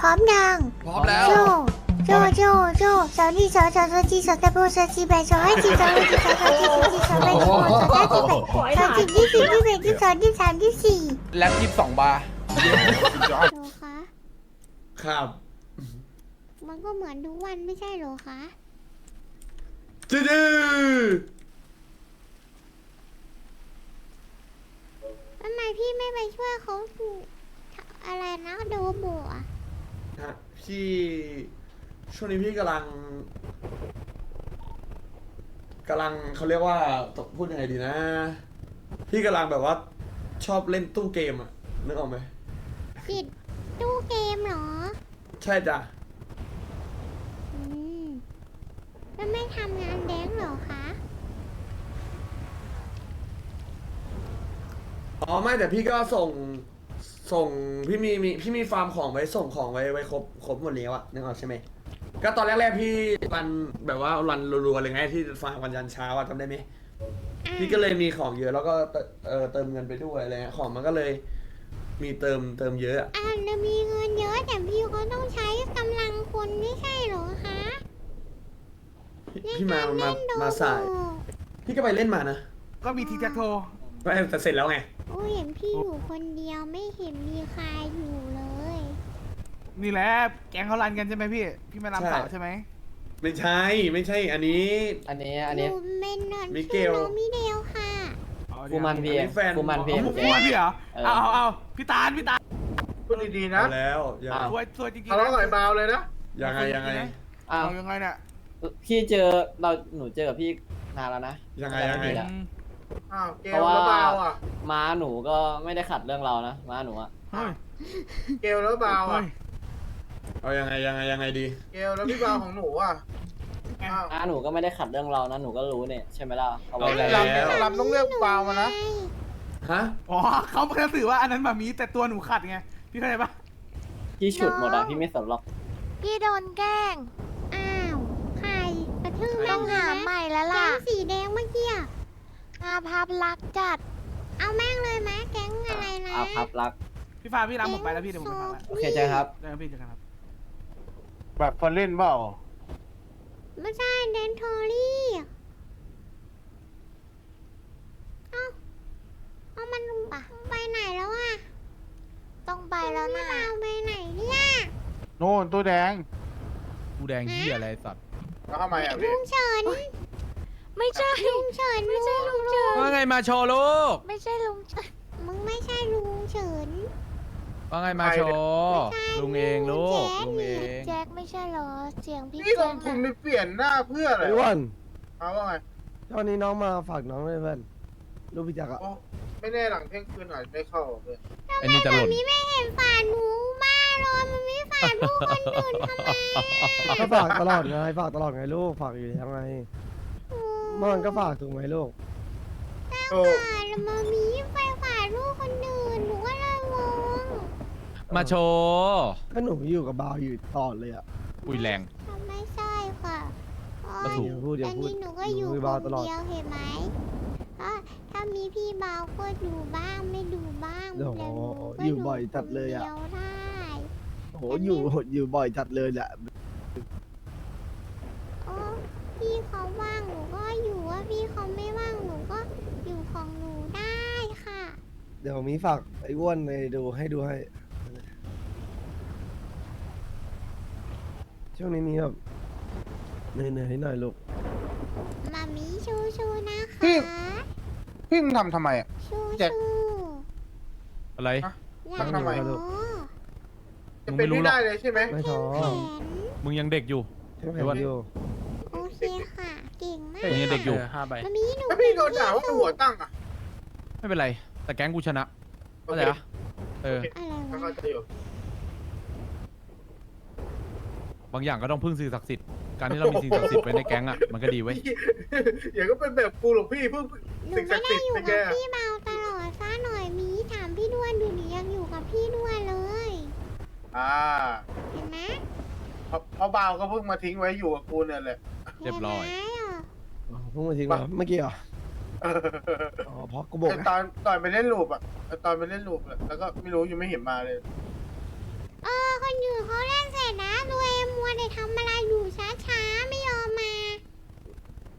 ร้อมยังพร้อมแล้วโจโจสาวนี่สาวจีสาวตะโบสาวจีแบสาวให้จีสาวให้จีสาวจีสาวแบสาวสาวจีแบสาวจีที่สี่ที่แบที่สองที่สามที่สี่แล็บ22 บาร์โหรอคะครับมันก็เหมือนทุกวันไม่ใช่เหรอคะดื้อทำไมพี่ไม่ไปช่วยเขาอะไรนะโดโบะฮะพี่ช่วงนี้พี่กำลังเขาเรียกว่าต้องพูดยังไงดีนะ พี่กำลังแบบว่าชอบเล่นตู้เกมอะนึกออกไหมติดตู้เกมเหรอใช่จ้ะอืมแล้วไม่ทำงานแดงเหรอคะอ๋อไม่แต่พี่ก็ส่งพี่มีฟาร์มของไว้ส่งของไว้ครบหมดแล้วอะนึกออกใช่ไหมก็ตอนแรกๆพี่รันแบบว่ารันรัวๆเลยไงที่ฟาร์มวันยันเช้าอะจำได้ไหมพี่ก็เลยมีของเยอะแล้วก็เติมเงินไปด้วยอะไรเงี้ยของมันก็เลยมีเติมเยอะอะเรามีเงินเยอะแต่พี่ก็ต้องใช้กำลังคนไม่ใช่เหรอคะพี่มาสาย พี่ก็ไปเล่นมานะก็มีทีแจ็คโทรไม่แต่เสร็จแล้วไงโอ้ยเห็นพี่อยู่คนเดียวไม่เห็นมีใครอยู่เลยนี่แหละแก๊งเขารันกันใช่ไหมพี่ พี่ไม่รับสาวใช่ไหมไม่ใช่ อันนี้อันนี้หนูเป็นนอนมิเกลชื่อน้องมิเดลค่ะฟูมันพีอันนี้แฟนฟูมันพีผมพูดพี่เหรอ เอาพี่ตาลพูดดีๆนะเอาแล้วยังอ้าวสวยจริงๆทะเลาะกับไอ้บาวเลยนะยังไงอ้าวเอายังไงเนี่ยพี่หนูเจอกับพี่นานแล้วนะยังไงจำม่ผิดอะอ้าวเกเพลราะว่าแล้วบาวอ่ะม้าหนูก็ไม่ได้ขัดเรื่องเรานะม้าหนูอะเฮ้ยเกลแล้วบาวเฮ้อ่ะยเอายังไงดีเกลแล้วพี่บาวของหนูอ่ะอ้าวม้าหนูก็ไม่ได้ขัดเรื่องเรานะหนูก็รู้เนี่ยใช่ไหมล่ะเขาบอกเอาแล้วลำต้องเลือกบาวมานะฮะอ๋อเขาเพิ่งสื่อว่าอันนั้นมามีแต่ตัวหนูขัดไง พี่เข้าใจปะพี่ฉุดหมดอะพี่ไม่สนหรอกพี่โดนแกล้งอ้าวใครกระทืบต้องหาใหม่แล้วล่ะแก๊งสีแดงเมื่อกี้อะอาภัพรักจัดเอาแม่งเลยไหมแก๊งอะไรนะอาภัพรักพี่ฟ้าพี่รับผมไปแล้วพี่เดี๋ยวผมไปฟังแล้วโอเคเจอครับเจอกันพี่เจอกันครับแบบคนเล่นเปล่าไม่ใช่เดนทอรี่เอามันไปไหนแล้วอะต้องไปแล้วนะเอาไปไหนเนี่ยโน่นตัวแดงกูแดงเหี้ยอะไรสัตว์แล้วทำไมอ่ะลุพี่งเฉินไม่ใช่ลุงเฉินไม่ใช่ลุงเฉินว่าไงมาโชว์ลูกไม่ใช่ลุงเฉินมึงไม่ใช่ลุงเฉินว่าไงมาโชว์ลุงเองลูกลุงเองแจ็คไม่ใช่เหรอ เสียงพี่นี่ลแจ็งคทุนอะไปเปลี่ยนหน้าเพื่ออะไรไอ้อ้วันเอาว่าไงตอนนี้น้องมาฝากน้องด้วยเพื่อนลูกพี่จักรอะโอ้ไม่แน่หลังเที่ยงคืนอาจจะไม่เข้าเพื่อนไอ้นี่จะหล่นมีไม่เห็นฝาหนูบ้าเลยมันไม่ฝาลูกคนอื่นทำไมก็ฝากตลอดไงฝากตลอดไงลูกฝากอยู่แล้วไงเมื่อวานก็ฝากถูกไหมลูกโอ้ฝาแล้วมามีไปฝาลูกคนอื่นหนูก็เลยงงมาโชว์ก็หนูอยู่กับบาวอยู่ตลอดเลยอะอุ้ยแรงทำไม่ใช่ค่ะอ๋อก็ถูกอันนี้หนูก็อยู่กัคบาวนตลอดเดียวเห็นไหมถ้ามีพี่เบาก็ดูบ้างไม่ดูบ้างโอ้โหแต่หนูก็อยู่บ่อยจัดเลยอะคนดีวได้โอ้โหอยู่บ่อยจัดเลยแหละโอ้พี่เขาว่างหนูก็อยู่ว่าพี่เขาไม่ว่างหนูก็อยู่ของหนูได้ค่ะเดี๋ยวมีฝากไอ้อ้วนในดูให้ช่วงนี้มีแบบเหนื่อยๆหน่อยลูกมามีชูๆนะคะพี่มึงทำไมอ่ะชูแจ็คอะไรๆอย่าทำไมท้อจะเป็นไม่ได้เลยใช่ไหมไม่ท้อแขนมึงยังเด็กอยู่ใช่ไหมไอ้อ้วนอยู่โอเคค่ะ เก่งมากมึงยังเด็กอยู่มามีหนูถ้าพี่โดนด่าว่าหัวตั้งอ่ะไม่เป็นไร แต่แก๊งกูชนะเข้าใจปะเอออะไรถ้าวะเข้าใจอยู่บางอย่างก็ต้องพึ่งสิ่งศักดิ์สิทธิ์ การที่เรามีสิ่งศักดิ์สิทธิ์ไว้ในแก๊งอ่ะ มันก็ดีเว้ยอย่าก็เป็นแบบกูหรอกพี่เพิ่งหนูสิ่งศัไม่กดิ์ได้สิทธิ์อยู่เป็นไงกับพี่เบาตลอดซะหน่อยมีถามพี่ด้วนดูหนูยังอยู่กับพี่ด้วนเลยอ่าเห็นไหมเพราะบาวก็เพิ่งมาทิ้งไว้อยู่กับกูเนี่ยแหละเรียบร้อยเห็นไหมอ่ะอ๋อเพิ่งมาทิ้งมาเมื่อกี้เหรออ๋อเพราะกูบอกแต่ไงตอนไปเล่นลูปอ่ะตอนไปเล่นลูปแล้วก็ไม่รู้ยังไม่เห็นมาเลยคนอื่นเขาเล่น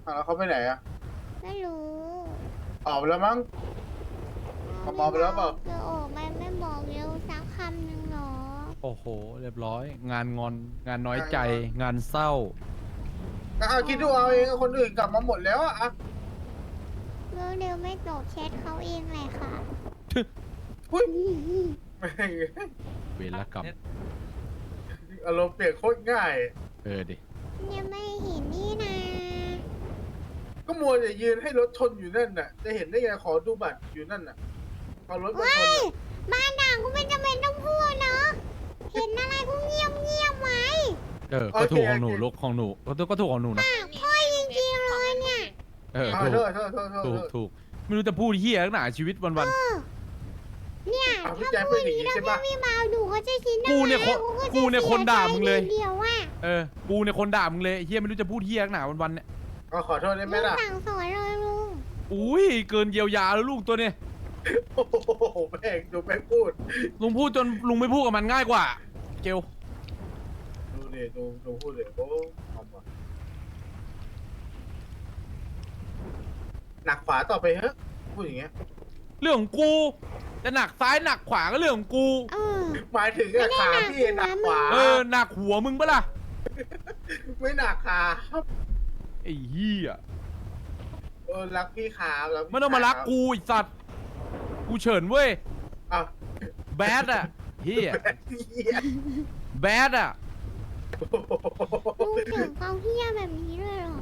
แล้วเขาไปไหนอะไม่รู้ออกไปแล้วมั้ง เขามองไปแล้วเปล่าเดี๋ยวออกมาไม่บอกเร็วสักคำหนึ่งหรอโอ้โห เรียบร้อย งานงอน งานน้อยใจ งานเศร้าเอาคิดดูเอาเองคนอื่นกลับมาหมดแล้วอะเร็วไม่ตอบแชทเขาเองแหละค่ะอุ้ยแม่งเวรกรรมอารมณ์เปลี่ยนโคตรง่ายดิยังไม่เห็นนี่นะก็มัวแต่ยืนให้รถชนอยู่นั่นน่ะ จะเห็นได้ไงขอดูบัตรอยู่นั่นน่ะพอรถมาชนน่ะบ้านด่างก็ไม่จำเป็นต้องพูดเนาะ เห็นอะไรก็เงียบไว้ก็ถูกของหนูลูกของหนูก็ถูกของหนูนะปากพ่อยจริงๆเลยเนี่ยเอาถูโทกษถูก ไม่รู้จะพูดเฮียขนาดชีวิตวันเนี่ยเอาพี่ถ้าแจ๊คพูเป็ดนออย่างย่างนี้นี้ใช่ถ้าปะพี่มาดูเขาจะคิดกูเนี่ยอะไรกูเนี่ยคนด่ามึงเลยเดียวว่าๆกูเนี่ยคนด่ามึงเลยเฮียไม่รู้จะพูดเฮียขนาดวันๆเนี่ยเอาขอโทษได้ไหมลุงล่ะสั่งสอนเลยลุงอุ้ยเกินเยียวยาแล้วลูกตัวเนี่ยโอ้โหแม่งดูแม่งพูดลุงพูดจนลุงไม่พูดกับมันง่ายกว่า เกลดูดิดูพูดเลยโอ้ทำว่ะหนักขวาต่อไปเฮ้ยพูดอย่างเงี้ยเรื่องของกูจะหนักซ้ายหนักขวาก็เรื่องของกูเออหมายถึงอะขาพี่หนักขวาหนักหัวมึงปะล่ะไม่หนักขาครับไอ้เหี้ยรักพี่ขารักพี่ไม่ต้องมารักกูไอ้สัตว์กูเฉินเว้ยอ้าวแบดอะเหี้ยเหี้ยแบดอะลุงเสียงเขาเฮี้ยแบบนี้เลยเหรอ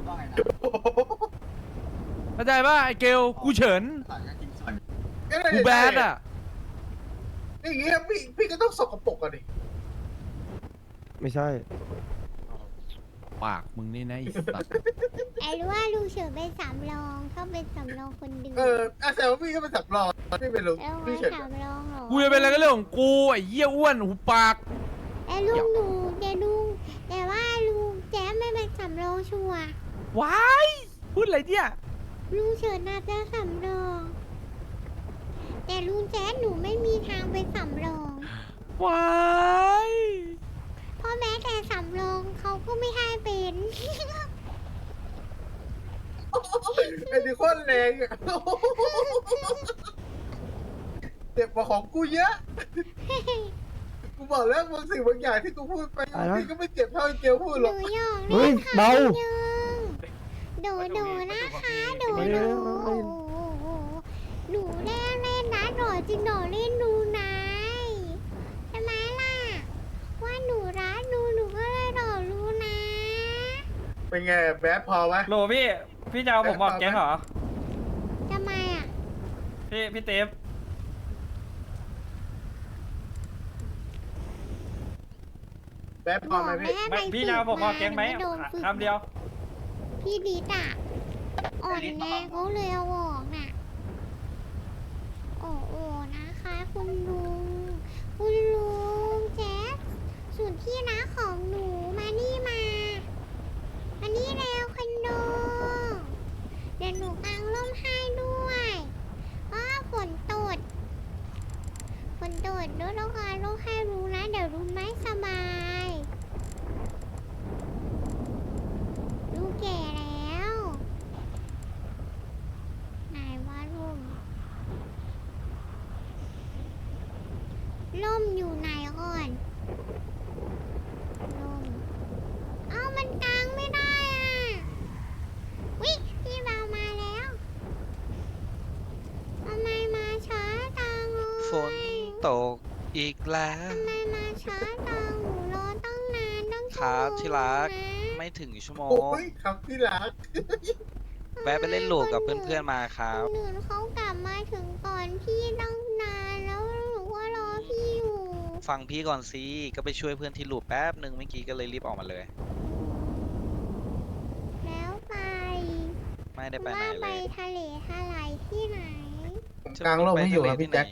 เข้าใจป่ะไอ้เกลกูเฉินกูแบดอะอย่างเงี้ยพี่ก็ต้องสกปรกกันดิไม่ใช่ปากมึงนี่นะไอ้สัตว์ไอ้รู้ว่าลุงเฉินเป็นสำรองเขาเป็นสำรองคนดึงแต่ว่าพี่ก็เป็นสับรองพี่เป็นลุงแล้วพี่ว่าเฉินสำรองเหรอกูจะเป็นอะไรก็เรื่องของกูไอ้เหี้ยอ้วนหูปากไอ้ลุงหนูแต่ว่าลุงแจ๊มไม่เป็นสำรองชัวร์ว้ายพูดอะไรเนี่ยลุงเฉินน่าจะสำรอง แต่ลุงแจ๊ดหนูไม่มีทางเป็นสำรองว้ายเพราะแม้แต่สำรองเขาก็ไม่ให้เป็นไอ้นี่โคตรแรงอ่ะเจ็บกว่าของกูเยอะ กูบอกแล้วบางสิ่งบางอย่างที่กูพูดไปอะไรนะพี่ก็ไม่เจ็บเท่าไอ้เกลพูดหหรนูอกหยอกเฮ้เล่ยนค่ะเบาดูนะคะดูหนูเล่นนะหนูจริงหนูเล่นดูนายใช่ไหมล่ะ ว่าหนูรักหนูก็เลยหนูรู้นะเป็นไงแบดพอไหมโหลพี่จะเอาผมบอกแก๊งเหรอทำไมอ่ะพี่เตฟแบดพอไหมพี่ไม่พี่จะเอาผมบอกแก๊งไหมโดนฝึกคำเดียวพี่ดีดอ่ะอ่อนแรงเขาเลยเอาออกน่ะ โอ้โหนะคะคุณลุงแจ๊สส่วนที่รักของหนูมานี่แล้วคนโดเดี๋ยวหนูกางร่มให้ด้วยอ้าฝนตดด้วยแล้วกางร่มให้รู้นะเดี๋ยวรู้ไม่สบายลูกแก่แล้วไหนว่าร่มอยู่ไหนก่อนร่มเอ้ามันกางไม่ได้อ่ะวิพี่เบามาแล้วทำไมมาช้าจังเลยฝนตกอีกแล้วทำไมมาช้าจังหนูรอตั้งนานตั้งชั่วครับโมงที่รักนะไม่ถึงชั่วโมโอ้งยครับที่รักแวะไปเล่นโหลกับเพื่อนๆมาครับคนอื่นเขากลับมาถึงก่อนพี่ตั้งนานแล้วหนูก็รอพี่อยู่ฟังพี่ก่อนสิก็ไปช่วยเพื่อนที่หลุดแป๊บหนึ่งเมื่อกี้ก็เลยรีบออกมาเลยแล้วไปไม่ได้ไปไหนว่าเลไปยทะเลทลายที่ไหนผมกลางร่มให้อยู่ครับพี่แจ็ค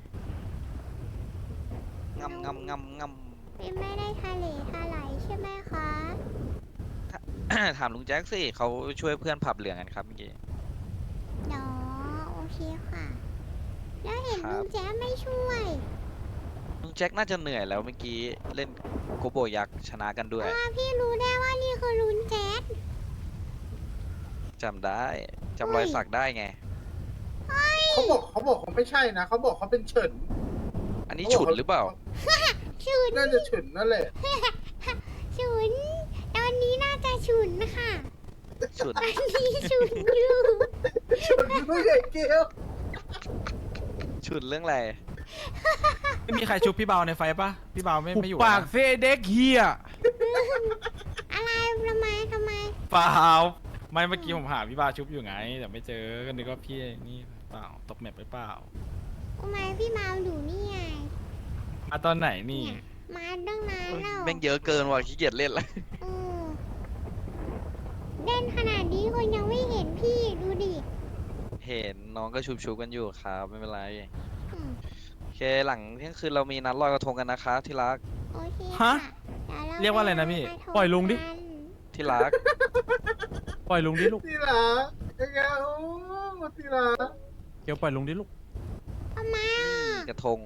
งำงำงำงไม่ได้ทะเลทลายใช่ไหมคะำ ถามลุงแจ็คสิเขาช่วยเพื่อนผับเหลืองกันครับเมื่อกี้เนาะโอเคค่ะ แล้วเห็นครับลุงแจ๊ไม่ช่วยลุงแจ็คน่าจะเหนื่อยแล้วเมื่อกี้เล่นโกโบยักษ์ชนะกันด้วยพี่รู้ได้ว่านี่คือลุงแจ๊ดจำได้จำรอยสักได้ไงเขาบอกเขาไม่ใช่นะเขาบอกเขาเป็นเฉินอันนี้ฉุดหรือเปล่าฉุนน่าจะเฉินนั่นแหละฉุนตอนนี้น่าจะฉุนค่ะฉุดตอนนี้ฉุนอยู่เฉินไม่ใช่เกลฉุดเรื่องอะไรไม่มีใครชุบพี่เบาในไฟปะพี่เบาไม่หุบอยู่ปากเซเด็กเฮียอะไรทำไมเปล่าไม่เมื่อกี้ผมหาพี่เบาชุบอยู่ไงแต่ไม่เจอก็นึกว่าพี่นี่เปล่าตกแมปไปเปล่าทำไมพี่เมาอยู่นี่ไงมาตอนไหนนี่เนี่ยมาตั้งนานแล้วแม่งเยอะเกินว่ะขี้เกียจเล่นละเออเล่นขนาดนี้คนยังไม่เห็นพี่ดูดิเห็นน้องก็ชุบกันอยู่ครับไม่เป็นไรอืมโอเคหลังเที่ยงคืนเรามีนัดลอยกระทงกันนะคะที่รักโอเคฮะค่ดี๋เรียกว่าอะไรนะพี่ปทำปล่อยลุงดิกันที่รักปล่อยลุงดิลูกที่รักยังไงโอ้ที่รักเกียวปล่อยลุงดิลูกทำไมอ่ะกระทง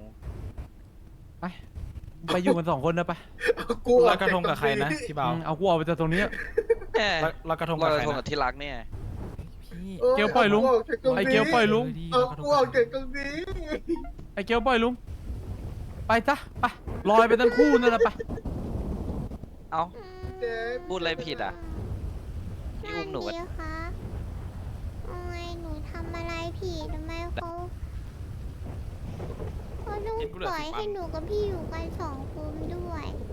ไปอยู่กัน2 คนนะไปกูลอยกระทงกับใครนะพี่เบาเอากูออกไปจากตรงนี้แหมลอยกระทงลกัอบ ยใคกรระทงกันะบที่รักเนี่ยพี่เกลปล่อยลุง ไอ้เกียวปล่อยลุงเอากูออกจากตรงนี้ไอ้เกียวปล่อยลุง ไปจ้ะไปลอยไปทั้งคู่นั่นแหละไปเอ้าเจ๊พูดอะไรผิดอ่ะ พี่อุ้มหนูนั่นดีคะทำไมหนูทำอะไรผิดทำไมเขาต้องปล่อยให้หนูกับพี่อยู่กัน2 คนด้วย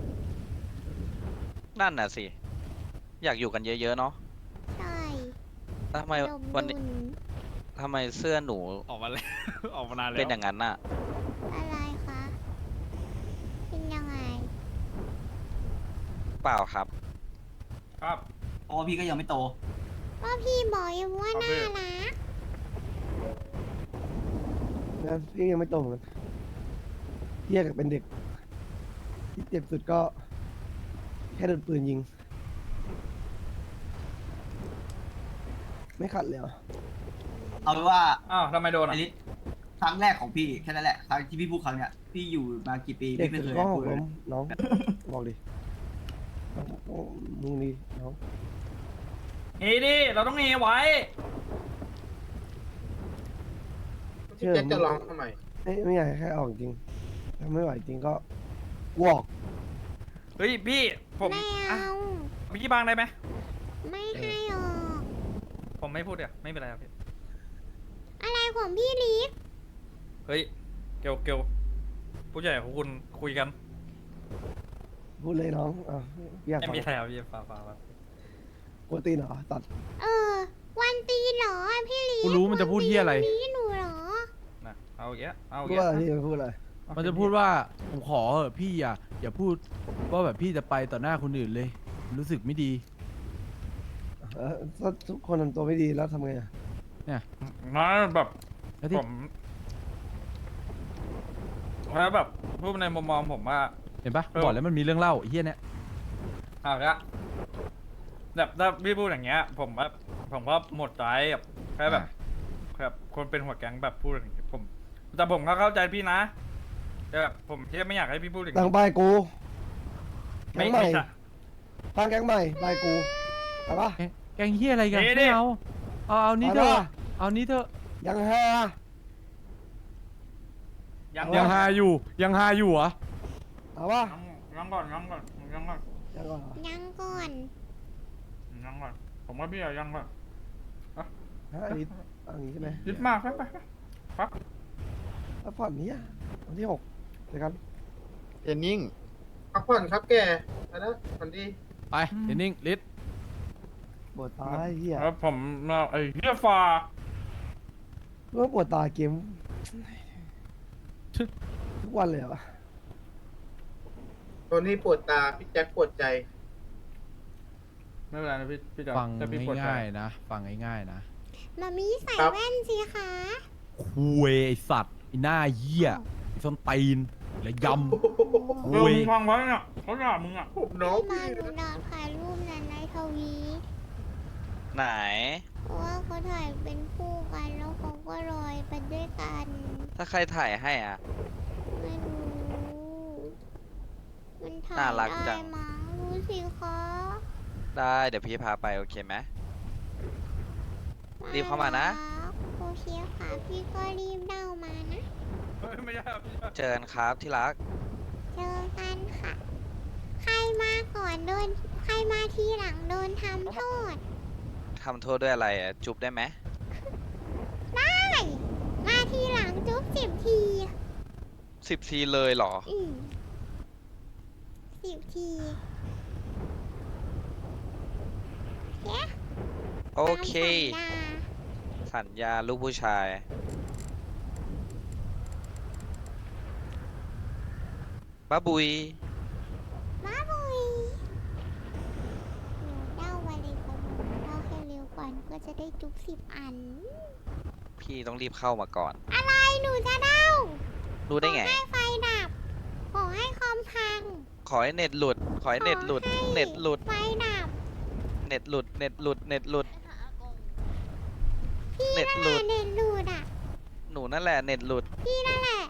นั่นน่ะสิ อยากอยู่กันเยอะๆเนาะใช่แล้วทำไมดมวันนี้ดุลทำไมเสื้อหนูออกมาแล้ว ออกมานานแล้วเป็นอย่างนั้นน่ะอะไรคะ เป็นยังไงเปล่าครับครับอ๋อพี่ก็ยังไม่โตก็พี่บอกยังว่าน่ารักนะพี่ยังไม่โตเหมือนกันเทียกับเป็นเด็ก ที่เจ็บสุดก็ แค่โดนปืนยิง ไม่ขัดเลยเหรอเอาเป็นว่าอ้าวทำไมโดนไออ่ะริสครั้งแรกของพี่แค่นั้นแหละครั้งที่พี่พูดครั้งเนี้ยพี่อยู่มากี่ปีเด็กพี่ไม่สุดเคยก็หพูกดเลล้ยมน้อง บอกดิน้องมึงนี่น้องเฮ้ดิเราต้องเฮไว้พี่แจ๊คจะร้องทำไมไม่อยากให้แค่ออกจริง ถ้าไม่ไหวจริงก็วอกเฮ้ยพี่ผมไม่อ่ะเอาพี่บางได้ไหมไม่ให้ออกผมไม่พูดเดี๋ยวไม่เป็นไรครับพี่อะไรของพี่ลิฟเฮ้ยเกลผู้ใหญ่ของคุณคุยกันพูดเลยน้องอยากไม่ฟังมีอะไรครับพี่ฟ้ากวนตีนเหรอตัดวันตีนเหรอพี่ลิฟกูรู้มันจะพูดเหี้ยอะไรวันตีนหนูเหรอนะเอาอย่างเงี้ยเอาพูอดย่างอะไรเงี้ยพี่พูดอะไรมันจะพูดว่าผมขอเถอะพี่อย่าพูดว่าแบบพี่จะไปต่อหน้าคนอื่นเลย รู้สึกไม่ดีถ้าทุกคนทำตัวไม่ดีแล้วทำไงอ่ะนะแบบแล้วที่ผมแล้วแบบพูดในมุมมองผมว่าเห็นปะบอกแล้วมันมีเรื่องเล่าไอ้เฮียเนี่ยเอาละแบบถ้าพี่พูดอย่างเงี้ย ผมก็หมดใจแบบแค่แบบคนเป็นหัวแก๊งแบบพูดอย่างเงี้ยแต่ผมก็เข้าใจพี่นะแต่แบบผมแค่ไม่อยากให้พี่พูดอย่างตั้งนี้ป้ายกูแก๊ไม่งใหม่ไม่ใช่ตั้งแก๊งใหม่ป้ายกูเอาปะแกงเฮียอะไรกันเอ๊ะไม่เอาเอานี้เถเอาอะล่ะเอานี้เถอะยังฮายังยังฮาอยู่ยังฮาอยู่เหรอเอาปะยังก่อนยังก่อนยังก่อนยังก่อนเหรอยังก่อนยังก่อนผมว่าพี่อะยังก่อนฮะอันนี้เอย่างนี้ใช่ไหมยึดมากไปแล้วผ่อนนี้อ่ะวันที่6เจอกันเอ็นนิ่งพักผ่อนครับแกอันนั้นฝันดีไปเดนนิ่งลิศปวดตาไอ้เหี้ยแล้วผมไอ้เฮียฟ้าเมื่อปวดตาเกมทุกวันเลยเหรอตัวนี้ปวดตา พี่แจ็คปวดใจไม่เป็นไรนะพี่จะฟังจะพี่ปวดใจง่ายๆนะฟังง่ายๆนะมามีใส่ครับแว่นสิคะคุยไอสัตว์ไอหน้าเหี้ยไอส้นตีนและยำเออมึงฟังไว้เนี่ยเขาด่ามึงอ่ะผมน้องพี่มาพี่หนูดาวถ่ายรูปนั้นในทวีไหนเพราะว่าเขาถ่ายเป็นคู่กันแล้วเขาก็ลอยไปด้วยกันถ้าใครถ่ายให้อ่ะไม่รู้มันถ่ายน่ารักจัได้งมั้งรู้สิคะได้เดี๋ยวพี่พาไปโอเคไหมรีบเข้ามานะโอเคค่ะพี่ก็รีบเด้ามานะเฮ้ยไม่ใช่ครับไม่ใช่เจอกันครับที่รักเจอกันค่ะ ใครมาก่อนโดนใครมาทีหลังโดนทำโทษทำโทษด้วยอะไรอะจุ๊บได้ไหมได้ มาทีหลังจุ๊บ10 ที 10 ทีเลยเหรอ 10 ทีเย้โอเคตามสัญญาสัญญาลูกผู้ชายบ้าบุยมาบุยหนูเด้ามาเลยค่ะหนูเด้าให้เร็วก่อนก็จะได้จุ๊บ10 อันพี่ต้องรีบเข้ามาก่อนอะไรหนูจะเด้ารู้ได้ไงขอให้ไฟดับ ขอให้คอมพังขอให้เน็ตหลุด ขอให้เน็ตหลุดขอให้เน็ตหลุดไฟดับเน็ตหลุด เน็ตหลุด เน็ตหลุดพี่เน็ตนั่นหลุแหละดเน็ตหลุดอ่ะหนูนั่นแหละเน็ตหลุดพี่นั่นแหละ